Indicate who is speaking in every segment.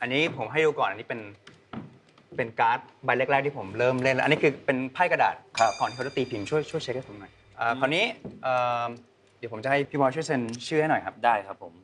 Speaker 1: อันนี้ผมให้ดูก่อนอันนี้เป็นการ์ดใบแรกๆที่ผมเริ่มเล่นแล้วอันนี้คือเป็นไพ่กระดาษก่อนที่เขาจะตีพิมพ์ช่วยเช็คให้ผมหน่อยคราวนี้เดี๋ยวผมจะให้พี่บอยช่วยเซ็นชื่อให้หน่อยครับ
Speaker 2: ได้ครับผม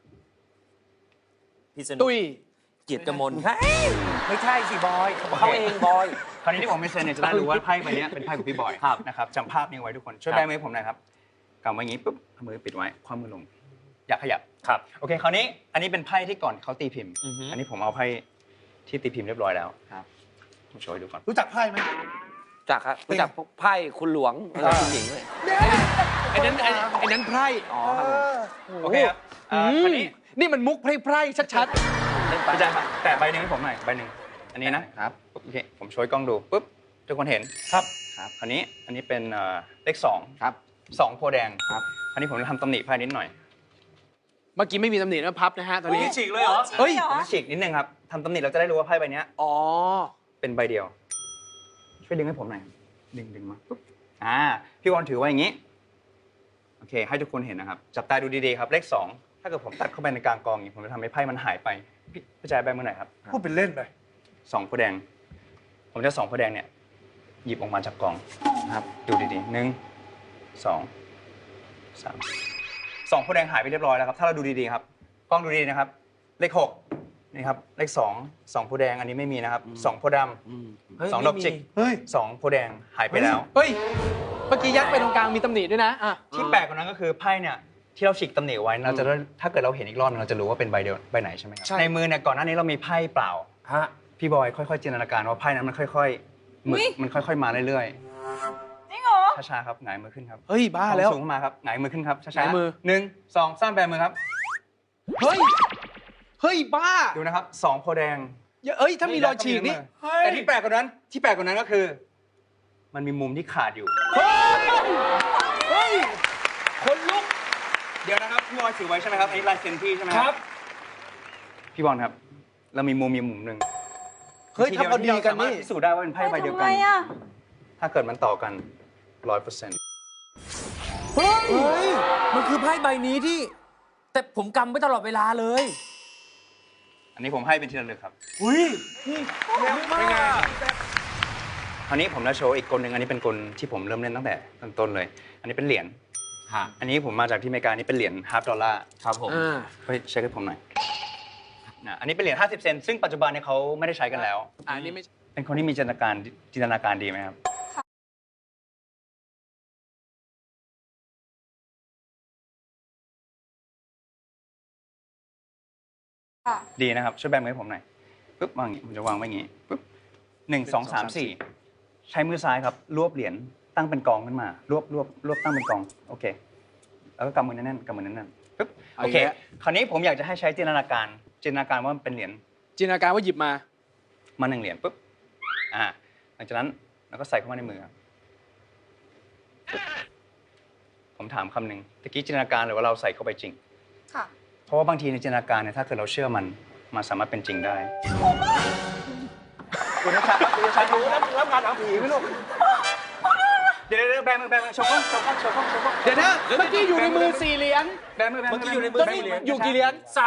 Speaker 2: พี่สนุก
Speaker 3: ตุ้ย
Speaker 2: เกียรติกมล
Speaker 3: ไม่ใช่สิบอยเขาเองบอย
Speaker 1: คราวนี้ที่ผมไม่เซ็นเนี่ยจะได้รู้ว่าไพ่ใบนี้เป็นไพ่ของพี่บอยนะครับจำภาพนี้ไว้ทุกคนช่วยแบมือผมหน่อยครับกำไว้อย่างนี้ปุ๊บเอามือปิดไว้คว่ำมือลงอย่าขยับ
Speaker 2: ครับ
Speaker 1: โอเคคราวนี้อันนี้เป็นไพ่ที่ก่อนเขาตีพิมพ์อันนี้ผมเอาไพ่ที่ตีพิมพ์เรียบร้อยแล้วครับผมโชว์ให้ดูก่อน
Speaker 3: รู้จักไพ่ไหม
Speaker 4: จักครับรู้จักไพ่คุณหลวงคุณหญิงเลย
Speaker 3: ไอ้นั้นไพร่
Speaker 4: อ๋อครับ
Speaker 1: โอเคครับคราวนี้
Speaker 3: นี่มันมุกไพร่ชัด
Speaker 1: ๆอาจารย์แต่ใบหนึ่งให้ผมหน่อยใบหนึ่งอันนี้นะครับโอเคผมโชว์กล้องดูปุ๊บทุกคนเห็น
Speaker 3: ครับ
Speaker 1: คราวนี้อันนี้เป็นเลข2
Speaker 4: ครับ
Speaker 1: 2โพแดงครับคราวนี้ผมจะทำตำหนิไพ่นิดหน่อย
Speaker 3: เมื่อกี้ไม่มีตำหนินะพับนะฮะตอนนี้
Speaker 2: ฉีกเลยเหรอ
Speaker 1: เฮ้ยผมฉีกนิดนึงครับทำตำหนิเราจะได้รู้ว่าไพ่ใบนี้
Speaker 3: อ๋อ
Speaker 1: เป็นใบเดียวช่วยดึงให้ผมหน่อยดึงมาปุ๊บพี่วอนถือไว้อย่างนี้โอเคให้ทุกคนเห็นนะครับจับตาดูดีๆครับเลข2ถ้าเกิดผมตัดเข้าไปในกลางกองอย่างนี้ผมจะทำให้ไพ่มันหายไปพี่แจ๊บใบมือหน่อยครับ
Speaker 3: พูดเป็นเล่นไป
Speaker 1: 2โพแดงผมจะ2โพแดงเนี่ยหยิบออกมาจากกองนะครับดูดีๆ1 2 3 2โพแดงหายไปเรียบร้อยแล้วครับถ้าเราดูดีๆครับกล้องดูดีนะครับเลข6นี่ครับเลข2โพแดงอันนี้ไม่มีนะครับ2โพดำ2ดอกจิก2โพแดงหายไปแล้ว
Speaker 3: เฮ้ยเมื่อกี้ยัดไปตรงกลางมีตำหนิด้วยนะ
Speaker 1: ที่แปลกกว่านั้นก็คือไพ่เนี่ยที่เราฉีกตำหนิไว้เราจะถ้าเกิดเราเห็นอีกรอบเราจะรู้ว่าเป็นใบเดียวใบไหนใช่ไหมครับในมือเนี่ยก่อนหน้านี้เรามีไพ่เปล่าพี่บอยค่อยๆจินตนาการว่าไพ่นั้นมันค่อยๆมันค่อยๆมาเรื่อย
Speaker 5: ๆจริงเหรอ
Speaker 1: ช้าๆครับหงายมือขึ้นครับ
Speaker 3: เฮ้ยบ้าแล้ว
Speaker 1: สูงขึ้นมาครับหงายมือขึ้นครับช้า
Speaker 3: ๆมือ
Speaker 1: 1 2 3แบมือครับ
Speaker 3: เฮ้ยบ้า
Speaker 1: ดูนะครับ2โพแดง
Speaker 3: ถ้ามีรอยฉีกนี่
Speaker 1: แต่ที่แปลกกว่านั้นก็คือมันมีมุมที่ขาดอยู่
Speaker 3: เฮ้ยคนลุก
Speaker 1: เดี๋ยวนะครับพี่บอยถือไว้ใช่ไหมครับอันนี้ลายเซ็นพี่ใช่ไหมครับพี่บอลครับเรามีมุมหนึ่ง
Speaker 3: เฮ้ยถ้าพอดีกันนี่
Speaker 1: พิสูจน์ได้ว่าเป็นไพ่ใบเดียวกันถ้าเกิดมันต่อกัน 100%
Speaker 4: เฮ้ยมันคือไพ่ใบนี้ที่แต่ผมกำไว้ตลอดเวลาเลย
Speaker 1: อันนี้ผมให้เป็นที่ระลึกครับ
Speaker 3: อุ้ยเร็วมาก
Speaker 1: คราวนี้ผมจะโชว์อีกกลหนึ่งอันนี้เป็นกลที่ผมเริ่มเล่นตั้งแต่ต้นเลยอันนี้เป็นเหรียญอันนี้ผมมาจากที่อเมริกานี่เป็นเหรียญ$50
Speaker 2: ครับผม
Speaker 1: เฮ้ยเช็คให้ผมหน่อยอันนี้เป็นเหรียญ50 เซนต์ซึ่งปัจจุบันเนี่ยเขาไม่ได้ใช้กันแล้ว
Speaker 3: อันนี้ไม่
Speaker 1: เป็นคนที่มีจินตนาการดีไหมครับดีนะครับช่วยแบมือให้ผมหน่อยปุ๊บวางอย่างนี้ผมจะวางไว้อย่างนี้ปุ๊บ1 2 3 4ใช้มือซ้ายครับรวบเหรียญตั้งเป็นกองขึ้นมารวบตั้งเป็นกองโอเคแล้วก็กำมือแน่นๆปุ๊บโอเคคราวนี้ผมอยากจะให้ใช้จินตนาการว่ามันเป็นเหรียญ
Speaker 3: จินตนาการว่าหยิบมา
Speaker 1: 1เหรียญปุ๊บหลังจากนั้นเราก็ใส่เข้ามาในมือครับผมถามคำหนึ่งตะกี้จินตนาการหรือว่าเราใส่เข้าไปจริง
Speaker 5: ค่ะ
Speaker 1: เพราะว่าบางทีในจินตนาการเนี่ยถ้าเกิดเราเชื่อมันสามารถเป็นจริงได้คุณนัชชารู้แล้วงานทางผีไหมลูกเดี๋ยวแบมือโชว์กล้อง
Speaker 3: เดี๋ยวนะเมื่อกี้อยู่ในมือ4เหรียญ
Speaker 1: แบมือ
Speaker 3: เมื่อกี้อยู่ในมือ4เหรียญอยู่กี่เหรียญ